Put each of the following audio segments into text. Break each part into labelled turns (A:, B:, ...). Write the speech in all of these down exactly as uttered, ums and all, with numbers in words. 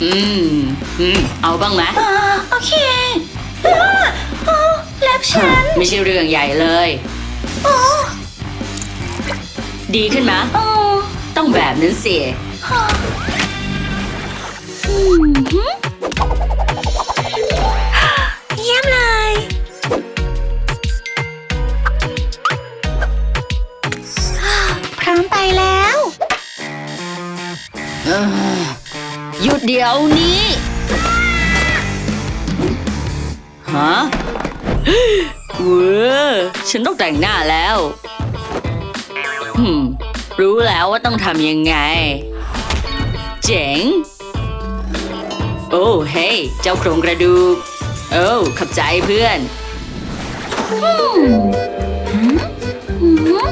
A: มอืมเอาบ้างไหม
B: อ่าโอเคอ่าโอ้เล็บฉัน
A: ไม่ใช่เรื่องใหญ่เลย
B: โอ้
A: ดีขึ้นไหม
B: โอ้
A: ต้องแบบนั้นสิ
B: ฮะอืมหืมเยี่ยมเลยพร้อมไปแล้ว
A: เอ้อหยุดเดี๋ยวนี้ฮะเว้อฉันต้องแต่งหน้าแล้วหืมรู้แล้วว่าต้องทำยังไง เจ๋ง โอ้เฮ้ยเจ้าโครงกระดูกโอ้ขอบใจเพื่อน
B: อืมหืมหืม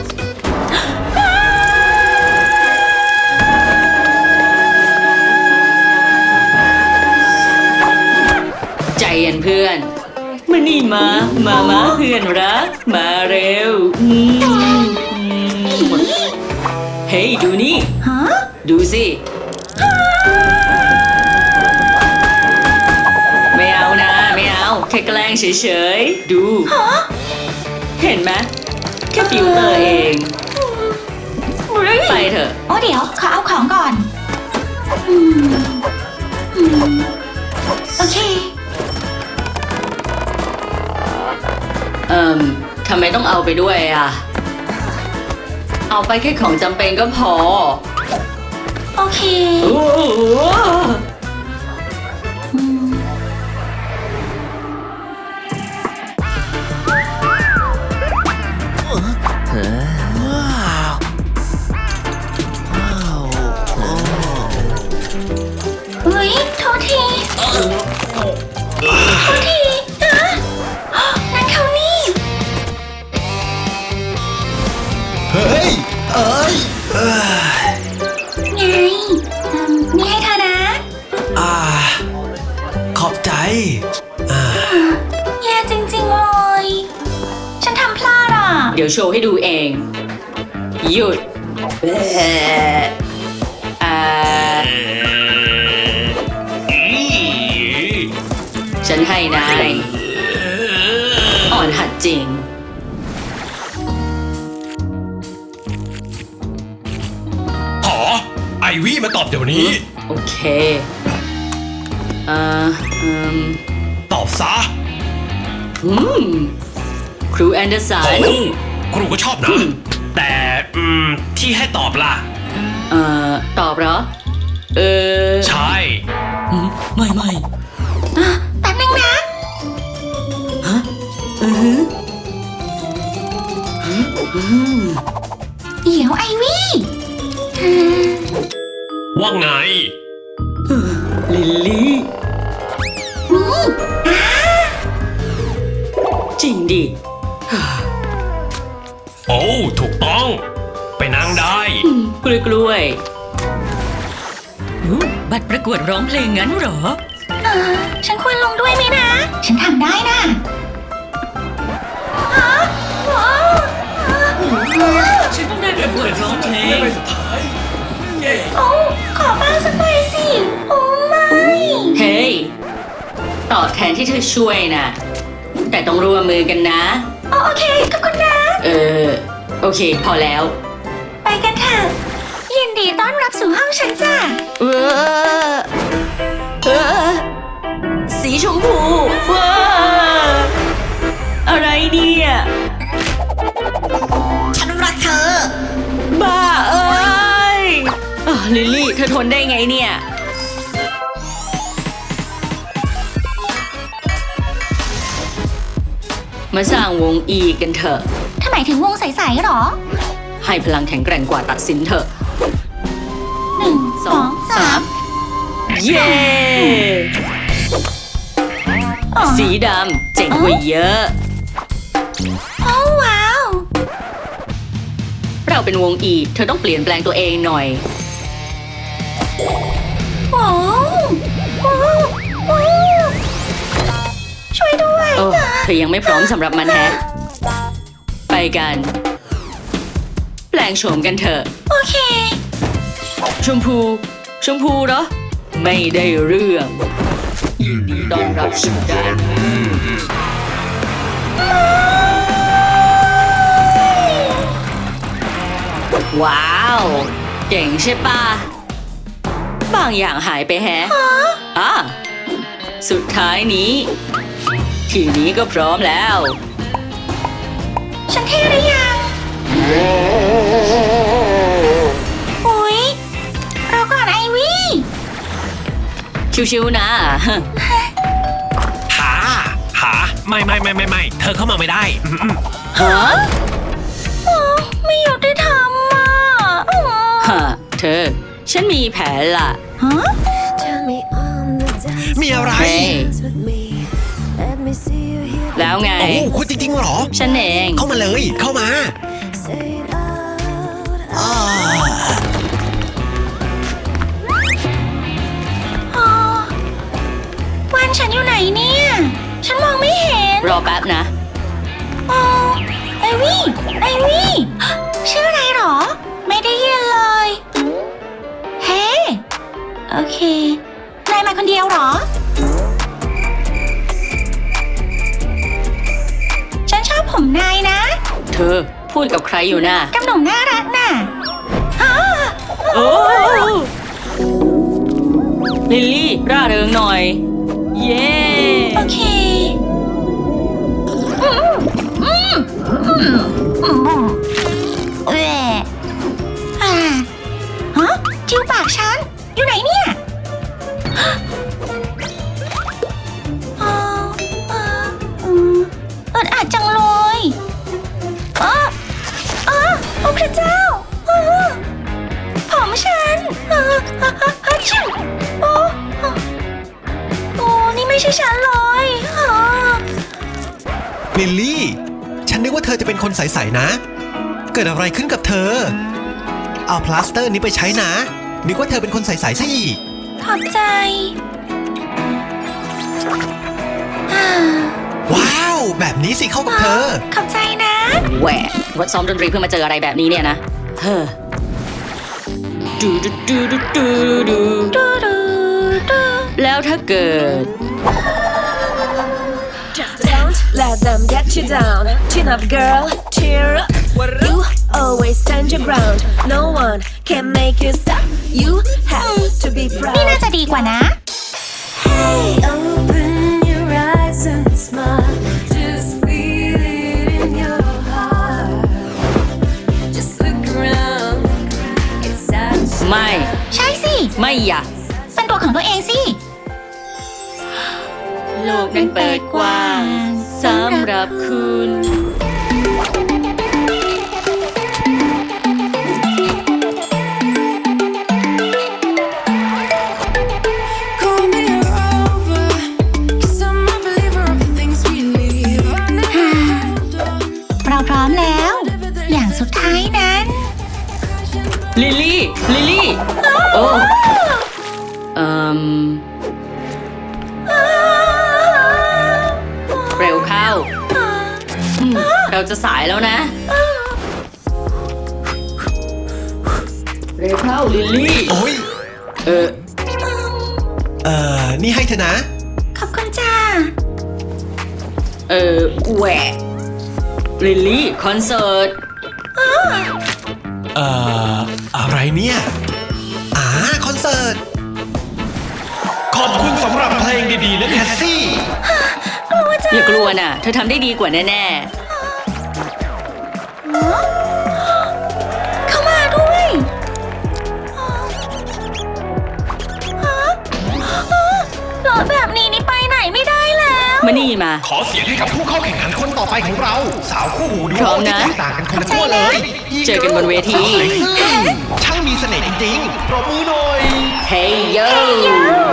A: ใจเย็นเพื่อน มานี่มา มามาเพื่อนรัก มาเร็วอืมอืมเฮ้ยดูนี่
B: ฮะ
A: ดูสิ ไม่เอานะ ไม่เอา แค่แกล้งเฉยๆ ดู เห็นไหมแค่ฟิลเตอร์เอง ไปเถอะ
B: โอ้เดี๋ยวขอเอาของก่อนอืมอืมโอเค
A: เอ่มทำไมต้องเอาไปด้วยอ่ะ เอาไปแค่ของจำเป็นก็พอ
B: โอเค
A: โอ้โห
B: อืม เฮ้ยโทษทีโทษทีอะนั่นเขานี่
C: เฮ้ย เอ้ยเอ้ย
B: ไงอืมนี่ให้เธอนะ
C: อ่า ขอบใจ อ่า
B: แย่จริงๆเลย ฉันทำพลาดอ่ะ
A: เดี๋ยวโชว์ให้ดูเอง หยุดแอะอ่าฉันให้นาย อ่อนหัดจริง
C: หอ ไอวี่มาตอบเดี๋ยวนี้
A: โอเคอ่าอืม
C: ตอบซะ
A: อืมครูแอนเดอร์สั
C: โอ้
A: น
C: ครูก็ชอบนะ แต่ อืม ที่ให้ตอบล่ะ
A: เอ่อ ตอบเหรอ เออ
C: ใช่
A: อืมไม่ไม่
B: อ่ะแป๊บนึงนะ
A: อือฮึอืม
B: เดี๋ยวไอวี่เออ
C: ว่าไง
A: ลิลลี่
B: นี่
A: จริงดิ
C: โอ้ ถูกต้อง ไปนั่งได้
A: อืมกล้วยกล้วยอู้บัตรประกวดร้องเพลงงั้นเหรอ
B: เออฉันควรลงด้วยไหมนะ ฉันทำได้นะฮะว้าว
A: ฉันต้องได้ประกวดร้องเพลง
C: สุดท้าย เย้
B: โอ้ขอบ้างสักใบสิ โอ้ไม่
A: เฮ้ย ตอบแทนที่เธอช่วยนะ แต่ต้องร่วมมือกันนะ
B: โอโอเค ขอบคุณนะ
A: เออ โอเค พอแล้ว
B: ไปกันเถอะยินดีต้อนรับสู่ห้องฉันจ้ะ
A: เออเออสีชมพูว้าอะไรเนี่ย
B: ฉันรักเธอ
A: บ้าเอ้ยอ่ะลิลลี่ เธอทนได้ไงเนี่ย มาสร้างวงอีกันเถอะ
B: ทำไมถึงวงใสๆหรอ
A: ให้พลังแข็งแกร่งกว่าตัดสินเถอะ
B: หนึ่ง สอง สาม
A: เย้
B: อ๋อ
A: สีดำเจ๋งกว่าเยอะ
B: โอ้ว้าว
A: เราเป็นวงอีเธอต้องเปลี่ยนแปลงตัวเองหน่อย
B: โอ้โอ้โอ้ช่วยด้วย
A: โอ้เธอยังไม่พร้อมสำหรับมันแฮะ ไปกัน แปลงโฉมกันเถอะ
B: โอเค
A: ชมพู ชมพูเหรอไม่ได้เรื่องยินดีต้อนรับสู่แดนว้าว เก่งใช่ปะบางอย่างหายไปแฮะอ่ะสุดท้ายนี้ ทีนี้ก็พร้อมแล้ว
B: ฉันเท่หรือยังอุ๊ยรอก่อนไอวี่
A: ชิวๆนะ
C: หา หา ไม่ไม่ไม่ไม่ไม่เธอเข้ามาไม่ได้อืม
A: ฮะ
B: อ๋อไม่ยุติธรรมอ่ะอ๋อ
A: ฮะ เธอ ฉันมีแผนล่ะ
B: ฮะ
C: มีอะไร
A: เฮ้ย แล้วไง
C: โอ้คุณจริงๆเหรอ
A: ฉันเอง
C: เข้ามาเลย เข้ามาอ่า
B: อ๋อวันฉันอยู่ไหนเนี่ย ฉันมองไม่เห็น
A: รอแป๊บนะ
B: อ๋อไอวี่ไอวี่ชื่ออะไรหรอ ไม่ได้ยินเลย เฮ้ โอเค นายมาคนเดียวเหรอ ฉันชอบผมนายนะ
A: เธอพูดกับใครอยู่น่ะ
B: กับหนุ่มน่ารักน่ะอ๋อ
A: โอ้ลิลลี่ร่าเริงหน่อย เย้
B: โอเคอืมอืมอืมอืมอืมเอ่ออ่าฮะจิ้วปากฉัน อยู่ไหนเนี่ยอ๋ออ๋ออืมอึดอัดจังเลยอ๋ออ๋อโอ้พระเจ้าอ๋อผมฉันอ๋ออ๋ออ๋ออ๋อชิวโอ้อ๋อโอ้ นี่ไม่ใช่ฉันเลยอ๋อ
C: ลิลลี่ ฉันนึกว่าเธอจะเป็นคนใสๆนะ เกิดอะไรขึ้นกับเธอ เอาพลาสเตอร์นี้ไปใช้นะ นึกว่าเธอเป็นคนใสๆซะอีก
B: ขอบใจอ่า
C: ว้าว แบบนี้สิเข้ากับเธอ
B: ขอบใจนะ
A: แหวะวัดซ้อมดนตรีเพื่อมาเจออะไรแบบนี้เนี่ยนะ เฮ้อดูดูดูดูดูดู
B: ดูดูดู
A: แล้วถ้าเกิด
D: Just don't let them get you down. Chin up, girl, cheer up. You always stand your ground. No one can make you stop. You have to be
B: นี่น่า
D: proud.
B: จะดีกว่านะ
D: Hey, open your eyes and smile. Just feel it in your heart. Just look around. It's such
A: ไม่
B: ใช่สิ
A: ไม่อยาก
B: เป็นตัวของตัวเองสิ
A: โลกนั้นเปิดกว้างสำหรับคุณ
E: Call me a rover, 'cause I'm a believer of the things we leave. I never hold on.
B: เราพร้อมแล้ว อย่างสุดท้ายนั้น
A: ลิลลี่ ลิลลี่ โอ้ เอ่มเร็วเข้าอืมเราจะสายแล้วนะ เร็วเข้า ลิลลี่
C: โอ้ย
A: เออ
C: เอ่อ นี่ให้เธอนะ
B: ขอบคุณจ้า
A: เออแหวะลิลลี่ คอนเสิร์ต
C: เอ่อ อะไรเนี่ย อ่า คอนเสิร์ต ขอบคุณสำหรับเพลงดีๆนะแคสซี่
A: อย่ากลัวน่ะ เธอทำได้ดีกว่าแน่
B: เข้ามาด้วยรถแบบนี้นี่ไปไหนไม่ได้แล้ว
A: ๆ มานี่มา
C: ขอเสียงให้กับผู้เข้าแข่งขันคนต่อไปของเรา สาวคู่หูดู
A: พร้อม
C: ที่
A: นะ
C: แตกต่างกันคนละขั้วเลย
A: เจอกันบนเวที
C: ช่างมีเสน่ห์จริงๆปรบมือหน่อย
A: เฮ้ยโย